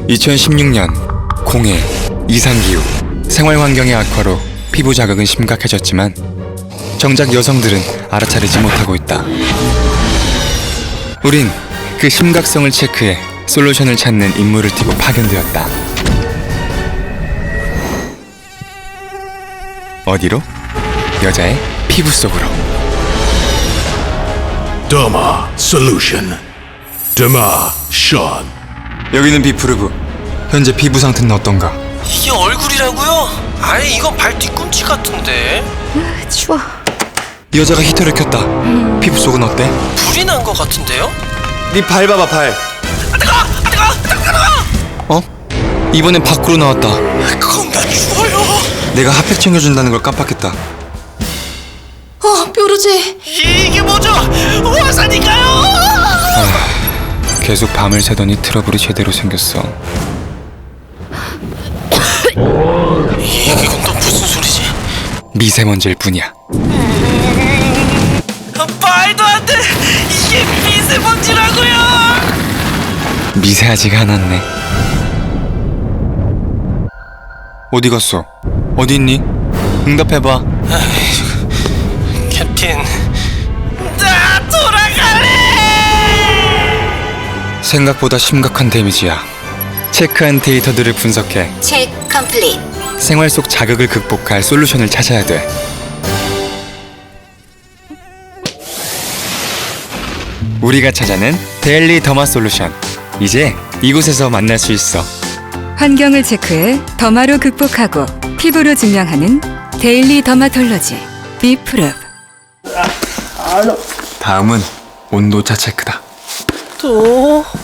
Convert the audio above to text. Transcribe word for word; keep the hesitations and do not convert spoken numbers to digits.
이천십육 년 공해, 이상기후, 생활환경의 악화로 피부 자극은 심각해졌지만 정작 여성들은 알아차리지 못하고 있다. 우린 그 심각성을 체크해 솔루션을 찾는 임무를 띠고 파견되었다. 어디로? 여자의 피부 속으로. Derma Solution. Derma Sean. 여기는 비프르브. 현재 피부 상태는 어떤가? 이게 얼굴이라고요? 아니 이건 발 뒤꿈치 같은데. 추워. 여자가 히터를 켰다. 피부 속은 어때? 불이 난 것 같은데요? 네 발 봐봐, 발. 아 뜨거! 아 뜨거! 뜨거! 어? 이번엔 밖으로 나왔다. 그건 나 죽어요. 내가 핫팩 챙겨준다는 걸 깜빡했다. 어, 뾰루지. 이게 뭐죠? 화산인가요? 계속 밤을 새더니 트러블이 제대로 생겼어. 이건 또 무슨 소리지? 미세먼지일 뿐이야. 아, 말도 안 돼! 이게 미세먼지라고요! 미세하지가 않았네. 어디 갔어? 어디 있니? 응답해봐. 캡틴, 나 돌아갈래! 생각보다 심각한 데미지야. 체크한 데이터들을 분석해 체크 컴플릿. 생활 속 자극을 극복할 솔루션을 찾아야 돼. 우리가 찾아낸 데일리 더마 솔루션. 이제 이곳에서 만날 수 있어. 환경을 체크해 더마로 극복하고 피부로 증명하는 데일리 더마톨로지 비프룹. 다음은 온도차 체크다. 또?